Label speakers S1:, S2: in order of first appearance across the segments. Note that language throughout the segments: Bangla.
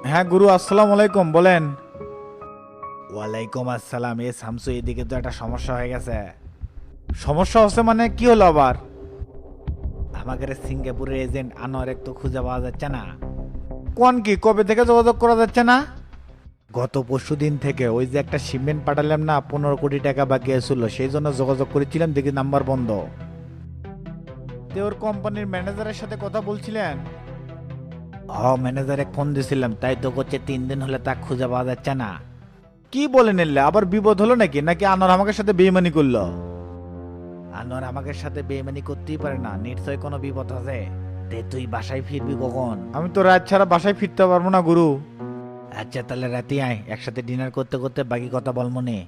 S1: হ্যাঁ গুরু, আসসালামু আলাইকুম, বলেন। ওয়ালাইকুম আসসালাম। এ শামসু, এদিকে তো একটা সমস্যা হয়ে গেছে। সমস্যা হচ্ছে মানে কি হলো আবার? আমাদের সিঙ্গাপুরের এজেন্ট আনোয়ার তো খুঁজে পাওয়া যাচ্ছে না। কোন কি, কবে থেকে যোগাযোগ করা যাচ্ছে না? গত পরশু দিন থেকে। ওই যে একটা শিপমেন্ট পাঠালাম না, 15 কোটি টাকা বাকি ছিল, সেই জন্য যোগাযোগ করেছিলাম, দেখি নাম্বার বন্ধ। তে ওর কোম্পানির ম্যানেজারের সাথে কথা বলছিলেন? ম্যানেজারে ফোন দিছিলাম, তাই তো করছে 3 দিন হলে তা খুঁজে পাওয়া যাচ্ছে না। কি বলে নিলে আবার বিপদ হলো নাকি? নাকি আনোয়ার আমাকে সাথে বেইমানি করলো? আনোয়ার আমাকে সাথে বেইমানি করতেই পারে না, নিশ্চয় কোনো বিপদ আছে। তে তুই বাসায় ফিরবি কখন? আমি তো রাত ছাড়া বাসায় ফিরতে পারবো না গুরু। আচ্ছা তাহলে রাতে আয়, একসাথে ডিনার করতে করতে বাকি কথা বলবো নে।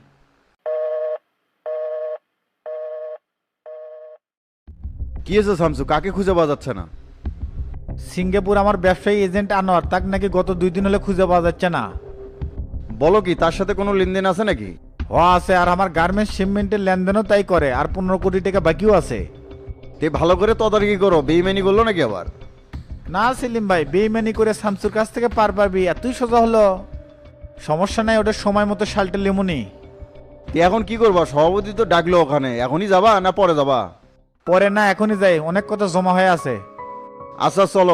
S2: কি হয়েছে শামসু, কাকে খুঁজে পাওয়া যাচ্ছে না?
S1: সিঙ্গাপুর আমার ব্যবসায়ী এজেন্ট আনোয়ার, তাকে নাকি গত 2 দিন হলে খুঁজে পাওয়া যাচ্ছে না।
S2: বলো কি, তার সাথে কোনো লেনদেন আছে নাকি?
S1: আছে, আর আমার গার্মেন্টস শিপমেন্টের লেনদেনও তাই করে, আর 15 কোটি টাকা বাকিও আছে।
S2: তে ভালো করে তদারকি করো, বেইমানি করলো নাকি আবার?
S1: না সেলিম ভাই, বেইমানি করে শামসুর কাছ থেকে পার পাবি এতই সোজা হলো? সমস্যা নাই, ওটা সময় মতো শালটা লেমুনি।
S2: তে এখন কি করবা? সভাপতি তো ডাকলো, ওখানে এখনই যাবা না পরে যাবা?
S1: পরে না, এখনই যাই, অনেক কথা জমা হয়ে আছে।
S2: আচ্ছা চলো।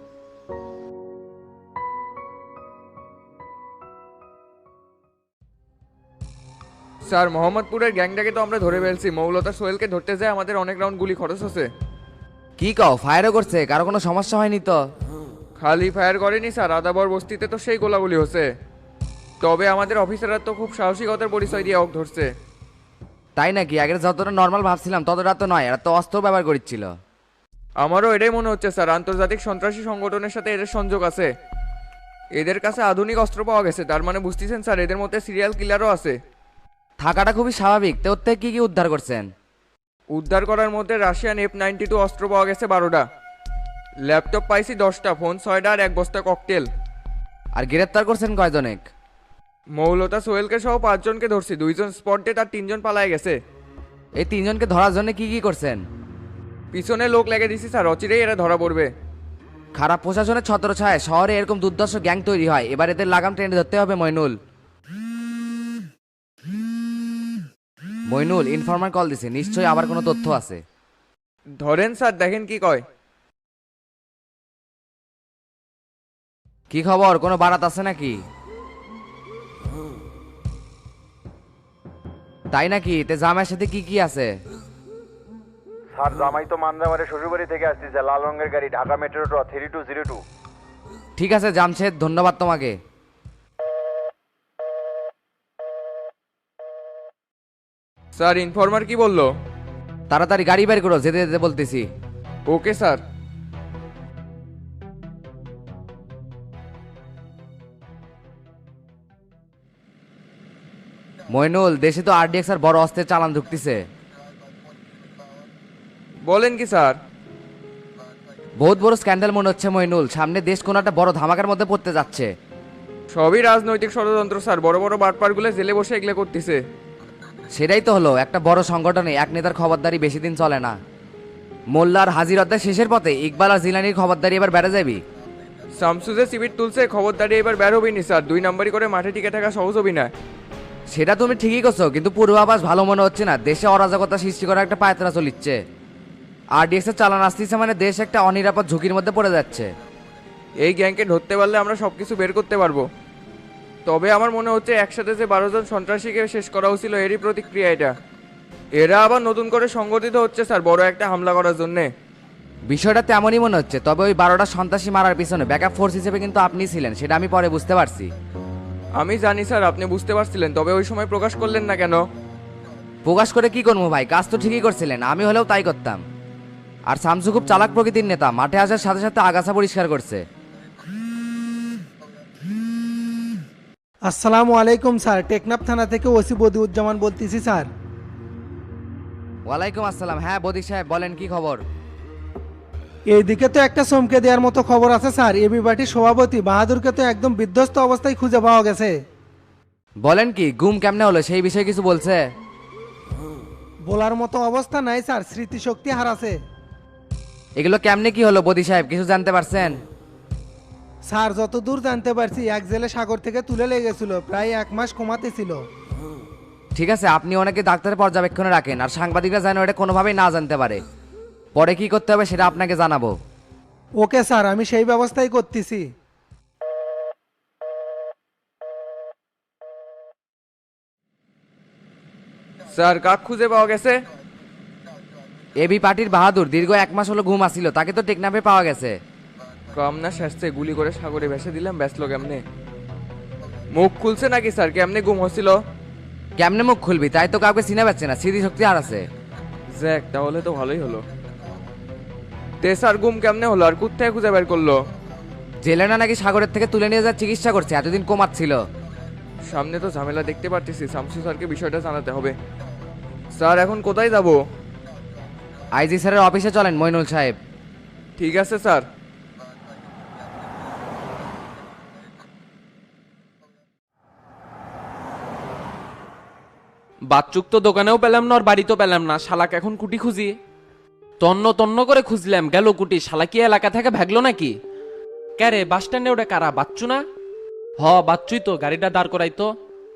S3: স্যার, মোহাম্মদপুরের গ্যাংটাকে তো আমরা ধরে ফেলছি। মৌলতা সোহেলকে ধরতে যায় আমাদের অনেক রাউন্ড গুলি খরচ হচ্ছে।
S4: কি কও, ফায়ারও করছে? কারো কোনো সমস্যা হয়নি তো?
S3: খালি ফায়ার করেনি স্যার, আদাবর বস্তিতে তো সেই গোলাগুলি হচ্ছে। তবে আমাদের অফিসাররা তো খুব সাহসিকতার পরিচয় দিয়ে অক ধরছে।
S4: তাই নাকি? আগের যতটা নর্মাল ভাবছিলাম ততটা তো নয়, এরা তো অস্ত্র ব্যবহার করছিল।
S3: আমারও এটাই মনে হচ্ছে স্যার, আন্তর্জাতিক সন্ত্রাসী সংগঠনের সাথে এদের সংযোগ আছে। এদের কাছে আধুনিক অস্ত্র পাওয়া গেছে, তার মানে বুঝতেছেন স্যার, এদের মধ্যে সিরিয়াল কিলারও আছে।
S4: থাকাটা খুবই স্বাভাবিক। তো ওর থেকে কি কি উদ্ধার করছেন?
S3: উদ্ধার করার মধ্যে রাশিয়ান F-92 অস্ত্র পাওয়া গেছে 12টা, ল্যাপটপ পাইছি 10টা, ফোন 6টা আর 1 বস্তা ককটেল।
S4: আর গ্রেপ্তার করছেন কয়জনেক?
S3: মৌলতা সোহেলকে সহ 5 জনকে ধরছি, 2 জন স্পট ডেট আর 3 জন পালায় গেছে।
S4: এই তিনজনকে ধরার জন্য কি কি করছেন?
S3: পিছনে লোক লেগে দিছি স্যার, অচিরেই এরা ধরা পড়বে।
S4: খারাপ প্রশাসনের ছত্রছায়ায় শহরে এরকম দুর্দর্শ গ্যাং তৈরি হয়, এবার এদের লাগাম টেনে ধরতে হবে। মইনুল, মইনুল ইনফরমার কল দিছে, নিশ্চয়ই আবার কোনো তথ্য আছে।
S3: ধরেন স্যার, দেখেন কি কয়।
S4: কি খবর, কোনো বারাত আছে নাকি? তাই নাকি? তে জামাইয়ের সাথে কি কি আছে?
S2: স্যার, জামাই তো মান্দামারে শ্বশুরবাড়ি থেকে আসতেছে, লাল রঙের গাড়ি, ঢাকা মেট্রো 3202।
S4: ঠিক আছে জামশেদ, ধন্যবাদ তোমাকে।
S3: স্যার, ইনফরমার কি বললো?
S4: তাড়াতাড়ি গাড়ি বের করো, যেতে যেতে বলতেছি।
S3: Okay sir.
S4: মইনুল, দেশে তো আরডিএক্স আর বড় অস্ত্রের চালান ঢুকতেছে।
S3: বলেন কি স্যার?
S4: বহুত বড় স্ক্যান্ডাল মনে হচ্ছে মইনুল, সামনে দেশ কোনো একটা বড় ধামাকার মধ্যে পড়তে যাচ্ছে।
S3: সবই রাজনৈতিক ষড়যন্ত্র স্যার, বড় বড় বাটপারগুলো জেলে বসে এগুলো করতেছে।
S4: সেটাই তো হলো, একটা বড় সংগঠনে এক নেতার খবরদারি বেশি দিন চলে না। মোল্লার হাজির অধ্যায় শেষের পথে ইকবাল আর জিলানির খবরদারি এবার বেড়ে যাবি।
S3: শামসুজে সিবির তুলছে, খবরদারি এবার বের হবি নি স্যার, 2 নাম্বারই করে মাঠে টিকে থাকা সহজ হবি না।
S4: সেটা তুমি ঠিকই করছো, কিন্তু পূর্বাভাস ভালো মনে হচ্ছে না। দেশে অরাজকতা সৃষ্টি করার একটা পায়তারা চলিচ্ছে। আরডিএক্স এর চালান আসতেছে মানে দেশ একটা অনিরাপদ ঝুঁকির মধ্যে পড়ে যাচ্ছে।
S3: এই গ্যাংকে ধরতে পারলে আমরা সবকিছু বের করতে পারবো। তবে আমার মনে হচ্ছে একসাথে যে 12 জন সন্ত্রাসীকে শেষ করা হয়েছিল এরই প্রতিক্রিয়া এটা। এরা আবার নতুন করে সংগঠিত হচ্ছে স্যার, বড় একটা হামলা করার জন্যে।
S4: বিষয়টা তেমনই মনে হচ্ছে, তবে ওই 12টা সন্ত্রাসী মারার পিছনে ব্যাকআপ ফোর্স হিসেবে কিন্তু আপনি ছিলেন, সেটা আমি পরে বুঝতে পারছি।
S3: আমি জানি স্যার, আপনি বুঝতে পারছিলেন, তবে ওই সময় প্রকাশ করলেন না কেন?
S4: প্রকাশ করে কি করবো ভাই, কাজ তো ঠিকই করছিলেন, আমি হলেও তাই করতাম। আর শামসু খুব চালাক প্রকৃতির নেতা, মাঠে আসার সাথে সাথে আগাছা পরিষ্কার করছে।
S5: আসসালামু আলাইকুম স্যার, টেকনাফ থানা থেকে ওসি বদিউজ্জামান বলতেছি স্যার।
S4: ওয়ালাইকুম আসসালাম। হ্যাঁ বদিক সাহেব, বলেন কি খবর?
S5: এইদিকে তো একটা চমকে দেওয়ার মতো খবর আছে স্যার। এবি পার্টির সভাপতি বাহাদুরকে তো একদম বিধ্বস্ত অবস্থায় খুঁজে পাওয়া গেছে।
S4: বলেন কি, গুম কেমনে হলো সেই বিষয়ে কিছু বলছে?
S5: বলার মতো অবস্থা নাই স্যার, স্মৃতিশক্তি হারাছে।
S4: এগুলো কেমনে কি হলো বদি সাহেব, কিছু জানতে পারছেন?
S5: স্যার যতদূর জানতে পারছি এক জেলে সাগর থেকে তুলে লেগেছিল, প্রায় 1 মাস কমাতে ছিল।
S4: ঠিক আছে, আপনি অনেকে ডাক্তারের পর্যবেক্ষণে রাখেন আর সাংবাদিকরা যেন এটা কোনোভাবেই না জানতে পারে। পরে কি করতে হবে সেটা আপনাকে জানাবো।
S5: ওকে স্যার, আমি সেই ব্যবস্থাই করতেছি।
S3: স্যার কাক খুঁজে পাওয়া গেছে?
S4: এবি পার্টির বাহাদুর দীর্ঘ 1 মাস হলো ঘুম আসছিল, তাকে তো টেকনাফে পাওয়া গেছে।
S3: কামনা শেষে গুলি করে সাগরে ভেসে দিলাম, ব্যস্ত কেমনে? মুখ খুলছে নাকি স্যার? কেমনে গুম হচ্ছিল?
S4: কেমনে মুখ খুলবি, তাই তো কাউকে চিনে পাচ্ছে না, স্মৃতিশক্তি হারাছে।
S3: জ্যাক, তাহলে তো ভালোই হলো। তে স্যার গুম কেমনে হলো আর কোথায় খুঁজে বের করলো?
S4: জেলে না নাকি সাগরের থেকে তুলে নিয়ে যাওয়ার চিকিৎসা করছে, এতদিন কোমাচ্ছিল।
S3: সামনে তো ঝামেলা দেখতে পারতেছি, শামসু স্যারকে বিষয়টা জানাতে হবে। স্যার এখন কোথায় যাব?
S4: আইজি স্যারের অফিসে চলেন মইনুল সাহেব।
S3: ঠিক আছে স্যার।
S6: বাচ্চুক তো দোকানেও পেলাম না আর বাড়িতেও পেলাম না, শালাক এখন কুটি খুঁজি। তন্ন তন্ন করে খুঁজলাম, গেল কুটি। শালা কি এলাকা থেকে ভাগলো নাকি? ক্যারে বাস স্ট্যান্ডে ওটা কারা, বাচ্চু না? হ বাচ্চুই তো, গাড়িটা দাঁড় করাই তো।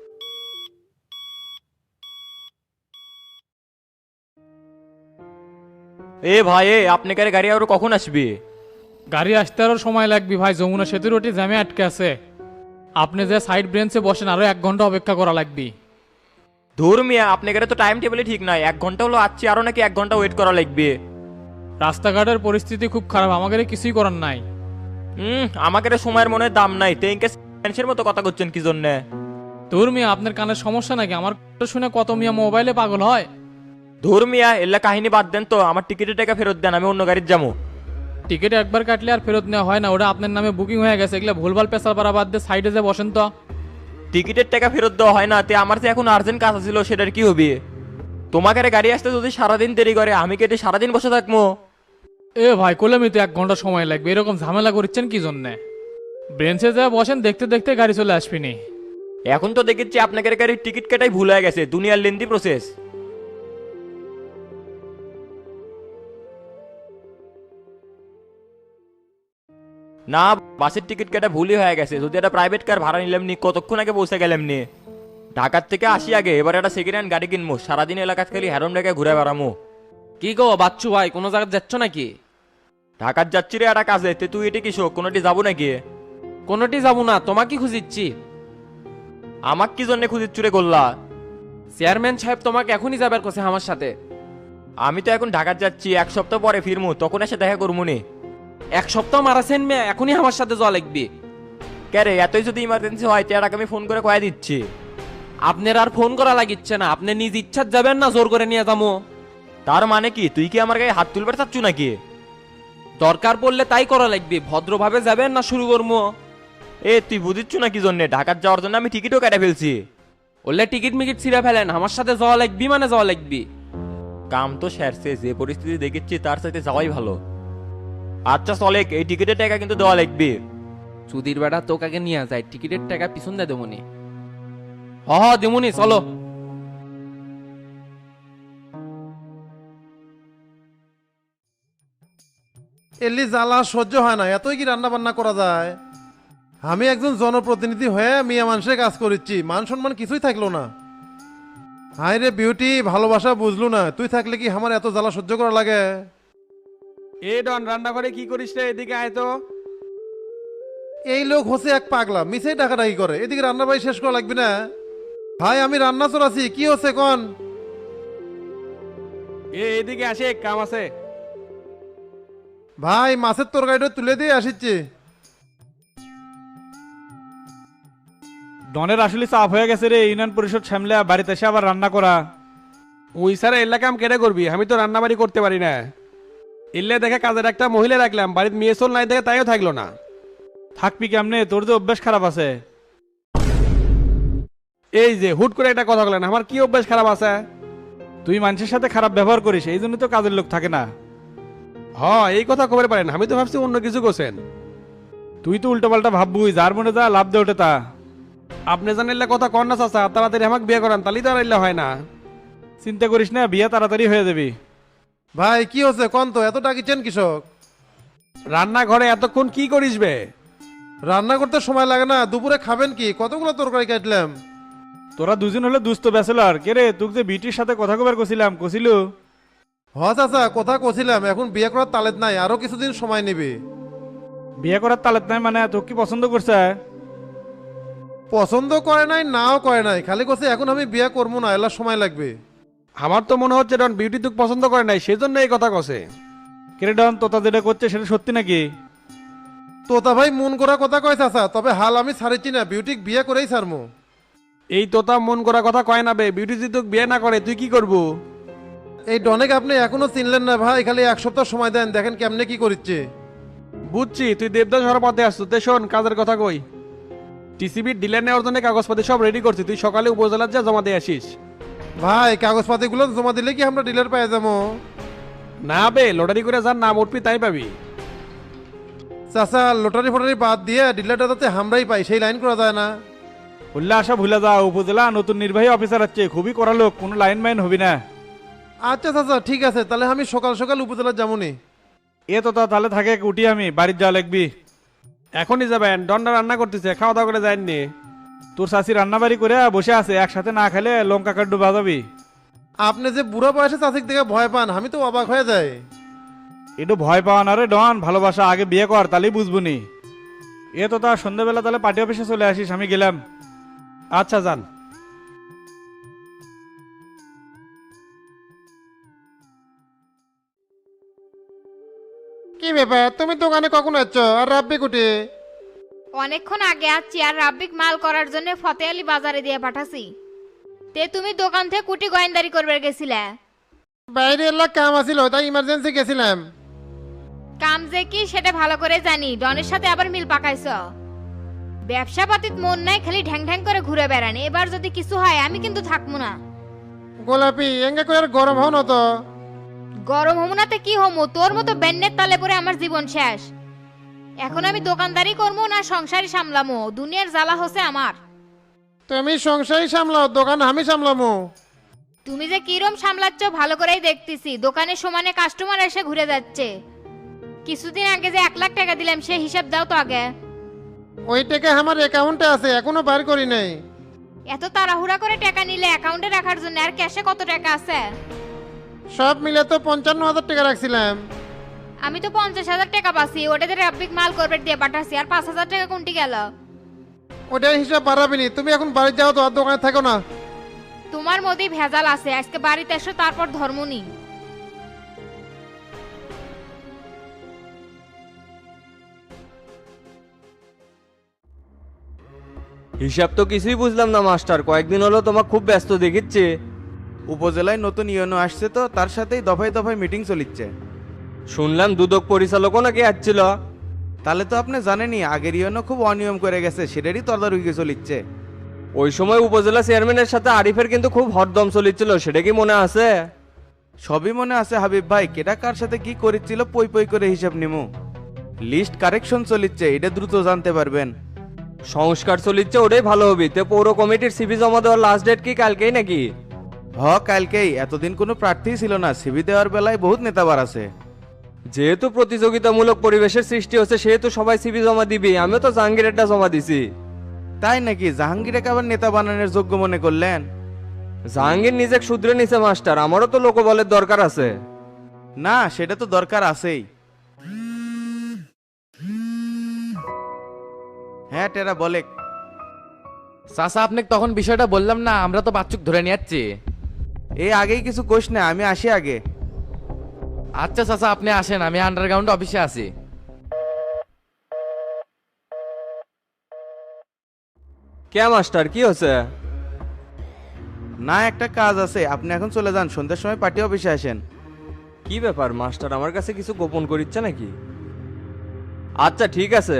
S7: এ ভাই, আপনি কারে গাড়ি আর কখন আসবে?
S8: গাড়ি আসতে আরও সময় লাগবে ভাই, যমুনা সেতুর ওটি জ্যামে আটকে আছে। আপনি যে সাইড ব্রেঞ্চে বসেন আরো 1 ঘন্টা অপেক্ষা করা লাগবে।
S7: ধুর মিয়া, আপনি কারে তো টাইম টেবিলে ঠিক নাই, 1 ঘন্টা হলো আসছি, আরো নাকি 1 ঘন্টা ওয়েট করা লাগবে?
S8: রাস্তাঘাটের পরিস্থিতি খুব খারাপ, আমাদের কিছুই করার নাই।
S7: আমাকে সময়ের মনে দাম নাই, তেইনকে সেন্সের মতো কথা করছেন কি জন্যে?
S8: তোর মিয়া আপনার কানের সমস্যা নাকি? আমার কথা শুনে কত মিয়া মোবাইলে পাগল হয়।
S7: ধুর মিয়া, এল্লা কাহিনী বাদ দেন তো, আমার টিকিটের টাকা ফেরত দেন, আমি অন্য গাড়ির যাবো।
S8: টিকিট একবার কাটলে আর ফেরত নেওয়া হয় না, ওটা আপনার নামে বুকিং হয়ে গেছে। এগুলো ভুলভাল পেশাল পাড়া বাদ দিয়ে সাইডে যে বসেন তো।
S7: টিকিটের টাকা ফেরত দেওয়া হয় না, তে আমার যে এখন আর্জেন্ট কাজ ছিল, সেটার কি হবে? তোমাকে গাড়ি আসতে যদি সারাদিন দেরি করে, আমি কেটে সারাদিন বসে থাকবো?
S8: এ ভাই কলমি তো 1 ঘন্টা সময় লাগবে, এরকম ঝামেলা করছেন কি জন্যে? ব্রেঞ্চে যা বসেন, দেখতে দেখতে গাড়ি চলে আসবিনি।
S7: এখন তো দেখেছি আপনাকে গাড়ির টিকিট কাটাই ভুল হয়ে গেছে, দুনিয়ার লেন্দি প্রসেস। না, বাসের টিকিট কাটা ভুলই হয়ে গেছে। যদি একটা প্রাইভেট কার ভাড়া নিলাম নি, কতক্ষণ আগে পৌঁছে গেলাম নি। ঢাকার থেকে আসি আগে, এবার একটা সেকেন্ড হ্যান্ড গাড়ি কিনবো, সারাদিন এলাকাত খালি হ্যারম ঢাকায় ঘুরে বেড়ামো।
S6: কি গো বাচ্চু ভাই, কোনো জায়গায় যাচ্ছ নাকি?
S7: ঢাকার যাচ্ছি রে একটা কাজে, তে তুই এটি কিসো, কোনোটি যাবো নাকি?
S6: কোনোটি যাবো না, তোমাকে খুঁজিচ্ছি।
S7: আমাক কি জন্য খুঁজিচ্ছু রে গোল্লা?
S6: চেয়ারম্যান সাহেব তোমাকে এখনই যাবার কথা আমার সাথে।
S7: আমি তো এখন ঢাকার যাচ্ছি, 1 সপ্তাহ পরে ফিরমু, তখন এসে দেখা করবো নি।
S6: 1 সপ্তাহ মারাছেন মেয়ে, এখনই আমার সাথে যাওয়া লাগবে।
S7: ক্যারে, এতই যদি ইমার্জেন্সি হয়, তেরাকে আমি ফোন করে কয়ে দিচ্ছি।
S6: আপনার আর ফোন করা লাগিচ্ছে না, আপনি নিজ ইচ্ছার যাবেন না জোর করে নিয়ে যাবো?
S7: তার মানে কি, তুই কি আমার গায়ে হাত তুলবার চাচ্ছু নাকি?
S6: দরকার পড়লে তাই করা লাগবে, ভদ্রভাবে যাবেন না শুরু করবো?
S7: তুই বুঝিচ্ছু না কি জন্য? ঢাকার যাওয়ার জন্য আমি টিকিটও কেটে ফেলছি।
S6: বললে টিকিট মিকিট ছিঁড়ে ফেলেন, আমার সাথে যাওয়া লাগবি মানে যাওয়া লাগবি।
S7: কাম তো সেরছে, যে পরিস্থিতি দেখেছি তার সাথে যাওয়াই ভালো। আচ্ছা চলে, এই টিকিটের টাকা কিন্তু দেওয়া লাগবে।
S6: সুধীর বেড়া তোকে নিয়ে যায়, টিকিটের টাকা পিছন দেয় দেমনি। হ দেমনি, চলো।
S9: এলি জ্বালা সহ্য হয় না, এতই কি রান্না বান্না করা যায়? আমি একজন জনপ্রতিনিধি হয়ে মিয়া মানুষের কাজ করেছি, মান সম্মান কিছুই থাকলো না। হাই রে বিউটি, ভালোবাসা বুঝলু না, তুই থাকলে কি আমার এত জ্বালা সহ্য করা লাগে?
S10: এ ডন, রান্নাঘরে কি করিস রে? এদিকে আয় তো।
S9: এই লোক হচ্ছে এক পাগলা, মিছেই ডাকাডাকি করে। এদিকে রান্না বাড়ি শেষ করা লাগবে না? ভাই আমি রান্না চড়াছি, কি হচ্ছে কন?
S10: এদিকে আসে, কাম আছে।
S9: ভাই মাছের তরকারিটা তুলে দিয়ে আসিচ্ছি।
S11: ডনের আসলে চাপ হয়ে গেছে রে, ইউনিয়ন পরিষদ সামলে বাড়িতে এসে আবার রান্না করা।
S10: ওই স্যার এলাকা কাম কেটে করবি, আমি তো রান্না বাড়ি করতে পারি না। ইল্লে দেখে কাজের একটা মহিলা রাখলাম, বাড়িতে মেয়ে চল নাই দেখে তাইও থাকলো না।
S11: থাকবি কেমনে, তোর যে অভ্যাস খারাপ আছে।
S10: এই যে হুট করে একটা কথা বলেন, আমার কি অভ্যাস খারাপ আছে?
S11: তুই মানুষের সাথে খারাপ ব্যবহার করিস, এই জন্য তো কাজের লোক থাকে না।
S10: এই কথা খবর পারেন, আমি তো ভাবছি অন্য কিছু করছেন।
S11: তুই তো উল্টো পাল্টা ভাববুই, যার মনে যা লাভ দে ওঠে তা।
S10: আপনি জানিলে কথা কর না চাচা, তাড়াতাড়ি আমাকে বিয়ে করান, তাহলেই তো আর ইল্লে হয় না।
S11: চিন্তা করিস না, বিয়ে তাড়াতাড়ি হয়ে যাবি।
S9: ভাই কি হচ্ছে কন তো, এত ডাকিছেন কৃষক?
S10: রান্নাঘরে এতক্ষণ কি করিস বে?
S9: রান্না করতে সময় লাগে না, দুপুরে খাবেন কি? কতগুলো তরকারি কাটলাম।
S11: তোরা দুজন হলে দুস্থ ব্যাচেলার কে রে, তোকে যে বিটির সাথে কথা কবার কছিল।
S9: হ চাচা, কথা কছিলাম, এখন বিয়ে করার তালেত নাই, আরো কিছুদিন সময় নেবে।
S11: বিয়ে করার তালেত নাই মানে তোকে কি পছন্দ করছে?
S9: পছন্দ করে নাই, নাও করে নাই, খালি কছে এখন আমি বিয়ে করবো না, এলা সময় লাগবে।
S10: আমার তো মনে হচ্ছে ডন বিউটি তোকে পছন্দ করে নাই, সেজন্য এই কথা কছে।
S11: কেরে ডন, তোতা যেটা করছে সেটা সত্যি নাকি?
S9: তোতা ভাই মন করা কথা কয় চাচা, তবে হাল আমি ছাড়িছি না, বিউটিক বিয়ে করেই ছাড়মু।
S10: এই তোতা মন করা কথা কয় না বে, বিউটি যদি তোকে বিয়ে না করে তুই কি করবো?
S9: এই ডনেক আপনি এখনো চিনলেন না ভাই, খালি 1 সপ্তাহ সময় দেন, দেখেন কেমনে কি করিচ্ছে।
S10: বুঝছি তুই দেবদাস হওয়ার পথে আসছো, তে শোন কাজের কথা কই। টিসিবির ডিলার নেওয়ার জন্য কাগজপাতি সব রেডি করছি, তুই সকালে উপজেলার যা জমা দিয়ে আসিস।
S9: ভাই কাগজপাতিগুলো জমা দিলে কি আমরা ডিলার পেয়ে যাবো?
S10: না বে, লটারি করে যার নাম উঠবি তাই পাবি।
S9: চাচা লটারি ফটারি বাদ দিয়ে ডিলারটা যাতে আমরাই পাই, সেই লাইন করা যায় না?
S11: উল্লা আশা ভুলে যা, উপজেলা নতুন নির্বাহী অফিসার আছে, খুবই কড়া লোক, কোনো লাইন মাইন হবি না।
S9: আচ্ছা চাচা ঠিক আছে, তাহলে আমি সকাল সকাল উপজেলা যাবনি।
S11: এ তোতা তাহলে থাকে, উঠি আমি বাড়ির যাওয়া লাগবি।
S10: এখনই যাবেন? ডনটা রান্না করতেছে, খাওয়া দাওয়া করে যায়নি।
S11: তোর শাশি রান্না বাড়ি করে বসে আছে, একসাথে না খেলে লঙ্কা কাট্ডু বাজাবি।
S9: আপনি যে বুড়ো বয়সে চাষিক দেখে ভয় পান, আমি তো অবাক হয়ে যাই।
S11: একটু ভয় পাওয়া না রে ডন, ভালোবাসা আগে বিয়ে কর, তাহলেই বুঝবনি। এ তোতা সন্ধ্যাবেলা তাহলে পার্টি অফিসে চলে আসিস, আমি গেলাম।
S10: আচ্ছা যান।
S9: কি ব্যাপার, তুমি দোকানে কখন আসছো? আর রাব্বি কুটি?
S12: অনেকক্ষণ আগে আসছি, আর রাব্বিক মাল করার জন্য ফতে আলী বাজারে দিয়ে পাঠাছি। তে তুমি দোকান থেকে কুটি গোয়েন্দারি করবে গেছিলে?
S9: বাইরে এলাকা কাম আছিল, তাই ইমার্জেন্সি গেছিলাম।
S12: কাম যে কি সেটা ভালো করে জানি, ডনের সাথে আবার মিল পাকাইছ। ব্যবসা পাতিত মন নাই, খালি ঢ্যাং ঢ্যাং করে ঘুরে বেড়ান। এবার যদি কিছু হয় আমি কিন্তু থাকবো না।
S9: গোলাপি এঙ্গে করে আর গরম হও না তো।
S12: গরম হমু নাতে কি হমু, তোর মতো বেন্নের তালে পরে আমার জীবন শেষ। এখন আমি দোকানদারি করবো না সংসারই সামলামো, দুনিয়ার জ্বালা হচ্ছে আমার।
S9: তুমি সংসারই সামলাও, দোকান আমি সামলামো।
S12: তুমি যে কিরম সামলাচ্ছ ভালো করেই দেখতেছি, দোকানে সমানে কাস্টমার এসে ঘুরে যাচ্ছে। কিছুদিন আগে যে 1 লাখ টাকা দিলাম সে হিসাব দাও তো আগে।
S9: ওই টাকা আমার অ্যাকাউন্টে আছে, এখনো বার করি নাই।
S12: এত তাড়াহুড়া করে টাকা নিলে অ্যাকাউন্টে রাখার জন্য, আর ক্যাশে কত টাকা আছে?
S9: সব মিলে তো 55,000 টাকা রাখছিলাম।
S12: আমি তো 50,000 টাকা পাচ্ছি, ওটাতে রাব্বিক মাল করবে দিয়ে পাঠাচ্ছি। আর 5,000 টাকা কোনটি গেল?
S9: ওটার হিসাব বাড়াবিনি, তুমি এখন বাড়ি যাও তো, আর দোকানে থাকো না।
S12: তোমার মধ্যেই ভেজাল আছে, আজকে বাড়িতে এসো তারপর ধর্ম নি।
S7: হিসাব তো কিছুই বুঝলাম না মাস্টার, কয়েকদিন হলো তোমাকে খুব ব্যস্ত দেখিচ্ছি।
S1: উপজেলায় নতুন ইউনো আসছে তো, তার সাথেই দফায় দফায় মিটিং চলিচ্ছে।
S7: শুনলাম দুদক পরিচালকও নাকি আসছিল।
S1: তাহলে তো আপনি জানেনই, আগের ইউনো খুব অনিয়ম করে গেছে, সেটারই তদারকি চলিচ্ছে।
S7: ওই সময় উপজেলা চেয়ারম্যানের সাথে আরিফের কিন্তু খুব হরদম চলিচ্ছিল, সেটা কি মনে আছে?
S1: সবই মনে আছে হাবিব ভাই, কেটা কার সাথে কি করেছিল পই পই করে হিসাব নিমু। লিস্ট কারেকশন চলিচ্ছে, এটা দ্রুত জানতে পারবেন।
S7: সংস্কার চলিচ্ছে, ওটাই ভালো হবে। তে পৌর কমিটির সিভি জমা দেওয়ার লাস্ট ডেট কি কালকেই নাকি?
S1: কালকেই। এতদিন কোনো প্রার্থী ছিল না, সিবি দেওয়ার বেলায় বহুত নেতাবার আছে।
S7: যেহেতু প্রতিযোগিতামূলক পরিবেশের সৃষ্টি হচ্ছে, সেহেতু সবাই সিভি জমা দিবি। আমিও তো জাহাঙ্গীরেরটা জমা দিছি।
S1: তাই নাকি? জাহাঙ্গীরকে আবার নেতা বানানোর যোগ্য মনে করলেন?
S7: জাহাঙ্গীর নিজে শুধরে নিছে মাস্টার, আমারও তো লোকবলের দরকার আছে।
S1: না, সেটা তো দরকার আছেই। হ্যাঁ টেরা বলে।
S4: চাচা আপনাকে তখন বিষয়টা বললাম না, আমরা তো বাচ্চুক ধরে নিয়ে যাচ্ছি।
S1: এই আগেই কিছু কোশ না, আমি আসি আগে।
S4: আচ্ছা চাচা আপনি আসেন, আমি আন্ডারগ্রাউন্ড অফিসে আছি।
S7: কে মাস্টার, কি হচ্ছে?
S1: না, একটা কাজ আছে, আপনি এখন চলে যান, সন্ধ্যার সময় পার্টি অফিসে আসেন।
S7: কি ব্যাপার মাস্টার, আমার কাছে কিছু গোপন করিচ্ছে নাকি? আচ্ছা ঠিক আছে।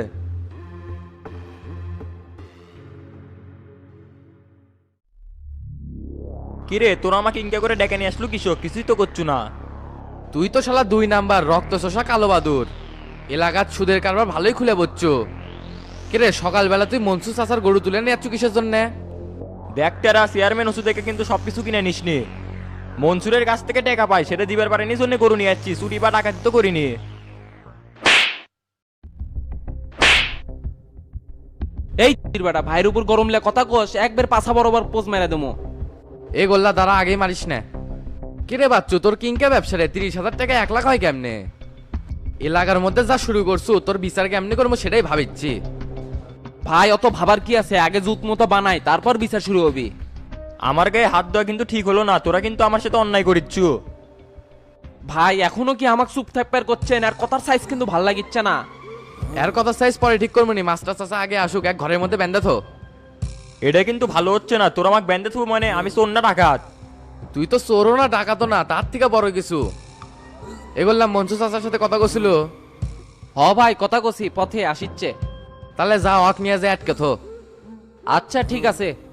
S7: কিরে তোরা আমাকে ইনকা করে ডেকে নিয়ে আসলো কিসব? কিছুই তো করছু না।
S4: তুই তো শালা 2 নাম্বার রক্ত চোষা কালো বাদুর, এলাকার সুদের কারবার ভালোই খুলে বসছো। কিরে সকালবেলা তুই মনসুর চাচার গরু তুলে নিয়ে যাচ্ছ কিসের জন্য?
S7: দেখতেরা চেয়ারম্যান ওষুধ থেকে কিন্তু সবকিছু কিনে নিসনি। মনসুরের কাছ থেকে টাকা পাই, সেটা দিবার পারেনি জন্য গরু নিয়ে যাচ্ছি, চুরি বা ডাকাতি তো করিনি।
S6: এই বেটা ভাইয়ের উপর গরমলে কথা কোস একবার পাছা বরাবর পোজ মেরে দেবো।
S4: এই গোল্লা দ্বারা আগেই মারিস না। কিরে বাচ্চু তোর কিংকা ব্যবসা রে 30,000 টাকা 1 লাখ হয় কেমনে? এলাকার মধ্যে যা শুরু করছু তোর বিচার কেমনে করবো সেটাই ভাবিচ্ছি।
S6: ভাই অত ভাবার কি আছে, আগে জুত মতো বানাই তারপর বিচার শুরু হবি।
S7: আমার গায়ে হাত দেওয়া কিন্তু ঠিক হলো না, তোরা কিন্তু আমার সাথে অন্যায় করিচ্ছু।
S6: ভাই এখনো কি আমাকে চুপ থাকবার করছেন? আর কথার সাইজ কিন্তু ভাল লাগিচ্ছে না।
S4: এর কথা সাইজ পরে ঠিক করবো নি, মাস্টার চাচা আগে আসুক, এক ঘরের মধ্যে বেঁধে থো।
S7: এটা কিন্তু ভালো হচ্ছে না, তোরা আমাকে ব্যান্ডে থু মানে আমি চোর না ডাকাত।
S4: তুই তো চোরও না ডাকাতো না, তার থেকে বড় কিছু। এগুলাম মঞ্চু চাচার সাথে কথা কছিল।
S6: হ ভাই কথা কছি, পথে আসিচ্ছে।
S4: তাহলে যা হক নিয়ে যায় আটকে থো।
S6: আচ্ছা ঠিক আছে।